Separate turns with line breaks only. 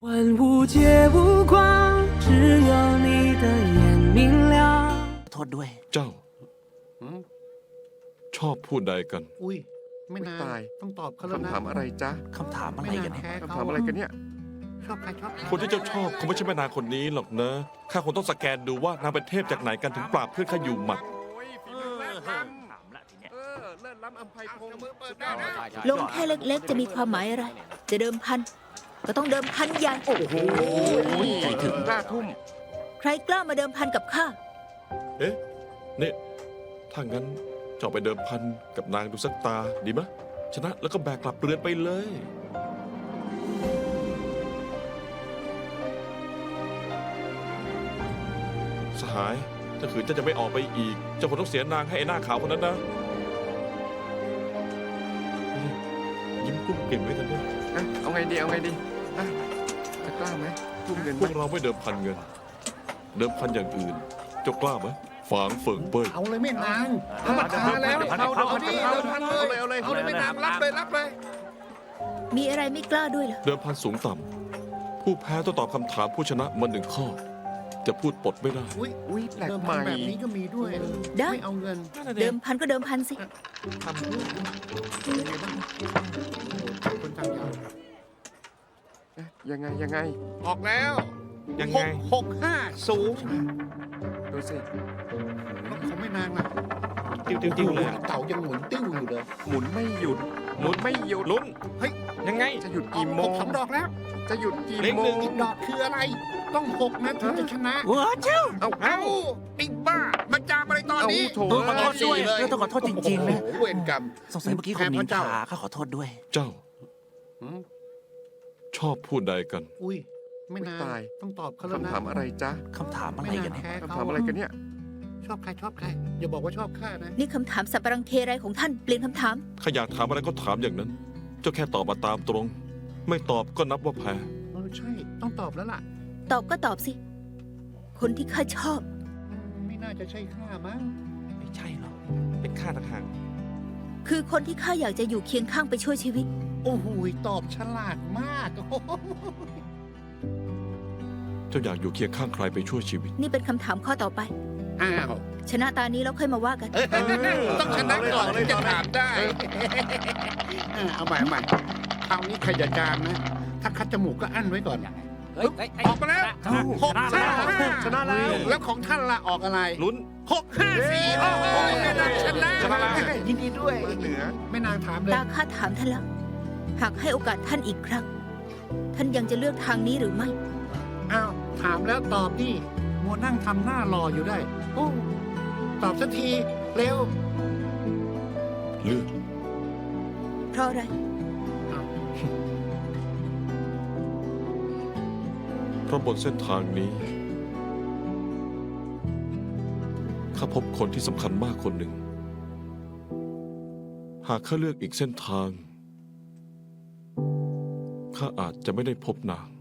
万物皆无光，只有你的眼明亮。
โทษด้วย
เจ้า
หืม
ชอบพูดใดกัน
อุ้ยไม่นาน
ตาย
ต้องตอบเขาแล้วนะ
คำถามอะไรจ๊ะ
คำถามอะไรกันเนี่ย
แพ้
คำ
เขา
ถามอะไรกันเนี่ย
ชอบใครชอบใคร
คนที่เจ้าชอบคงไม่ใช่แม่นางคนนี้หรอกนะข้าคงต้องสแกนดูว่านางเป็นเทพจากไหนกันถึงปราบเพื่อนข้าอยู่หมัด
โอ้ยฝีมือแรกล้ำเลิศล้ำอัมไพพงศ์มือเปิดได้นะ
ลงแค่เล็กๆ จะมีความหมายอะไร จะเดิมพัน ก็ต้องเดิมพันใหญ่
โอ้โห
ใจถึง
กล้าทุ่ม
ใครกล้ามาเดิมพันกับข้า
เอ๊ะนี่ถ้างั้นเจ้าไปเดิมพันกับนางดูสักตาดีมะชนะแล้วก็แบกกลับเรือนไปเลย สหายถ้าขืนเจ้าจะไม่ออกไปอีกเจ้าคงต้องเสียนางให้ไอ้หน้าขาวคนนั้นนะนี่ยิ้มกุ้มเก่งไว้กันด้วย
อ่ะเอาไงดีเอาไงดีอ่ะจะกล้าไหมทุ่มเงิน
พ
ไหม
วกเราไม่เดิมพันเงิน เดิมพันอย่างอื่นเจ้ากล้าไหมฝางเฟิงเป้ย
เอาเลยไม่นานเขามาท้าแล้วเอาดิเอาพันเลยเอาเลยไม่นานรับเลยรับเลย
มีอะไรไม่กล้าด้วยเหรอ
เดิมพันสูงต่ำผู้แพ้ต้องตอบคำถามผู้ชนะมาหนึ่งข้อ จะพูดปดไม่ได้
อุ้ย
อุ้ยแปลก
เดิม
ให
พัน
ม่
แบบนี้ก็มีด้วย
ได้
ไม่เอาเงิน
เดิมพันก็เดิมพันสิ
ทำด้วยเป็นไงบ้างคนทำยาว
เอ๊ะยังไง
ออกแล้ว
ยังไง
650
ดูสิ
เขาไม่นานนะ
ติ้วเลยอะ
เต่ายังหมุนติ้วอยู่เลย
หมุนไม่หยุดหมุนไม่หยุด
ลุ้น
เฮ้ย
ยังไง
จะหยุด
ออก
กี่โมง
สองดอกแล้ว
จะหยุดกี่
เล็ก
โม
หนึ่
ง
ง
อีกดอกคืออะไร ต้อง6นะถึงจะชนะ
ว้าเจ้า
เอา
เอ้าไอ้บ้ามาจามอะไรตอนนี้
เอาโถ
ขอโทษด้วยต้องขอโทษจริงๆนะ
โอ้โหเวรกรรม
สงสัยเมื่อกี้คนนินทาข้าขอโทษด้วย
เจ้า
หืม
ชอบพูดใดกัน
อุ้ยไม่นาน
ตาย
ต้องตอบเขาแล้วนะ
คำถามอะไรจ๊ะ
คำถามอะไรกันเนี่ย
แพ้
คำ
เขา
ถามอะไรกันเนี่ย
ชอบใครชอบใครอย่าบอกว่าชอบข้านะ
นี่คำถามสับปะรังเคไรของท่าน เปลี่ยนคำถาม
ข้าอยากถามอะไรก็ถามอย่างนั้น เจ้าแค่ตอบมาตามตรง ไม่ตอบก็นับว่าแพ้
ใช่ต้องตอบแล้วล่ะ
ตอบก็ตอบสิ คนที่ข้าชอบ
ไม่น่าจะใช่ข้ามั้ง
ไม่ใช่หรอก
เป็นข้าต่างหาก
คือคนที่ข้าอยากจะอยู่เคียงข้างไปช่วยชีวิต
โอ้โหตอบฉลาดมาก โอ้โห
เจ้าอยากอยู่เคียงข้างใครไปช่วยชีวิต
นี่เป็นคำถามข้อต่อไป
อ้าว
ชนะตานี้แล้วค่อยมาว่ากัน
ต้องชนะก่อนถึงจะถามได้เอาใหม่คราวนี้ใครจะจามนะ ถ้าคัดจมูกก็อั้นไว้ก่อนออกมาแล้ว655
ชนะแล้ว
แล้วของท่านล่ะออกอะไร
ลุ้น
654โอ้โหแม่นางชนะ
ชนะแล้ว
ยินดีด้วย
มาเหนือ
แม่นางถามเลย
ตาข้าถามท่านแล้ว หากให้โอกาสท่านอีกครั้ง ท่านยังจะเลือกทางนี้หรือไม่
อ้าวถามแล้วตอบดิมัวนั่งทำหน้ารออยู่ได้ โอ้ตอบสักทีเร็ว
เลือก
เพราะอะไร
เพราะบนเส้นทางนี้ ข้าพบคนที่สำคัญมากคนหนึ่ง หากข้าเลือกอีกเส้นทาง ข้าอาจจะไม่ได้พบนาง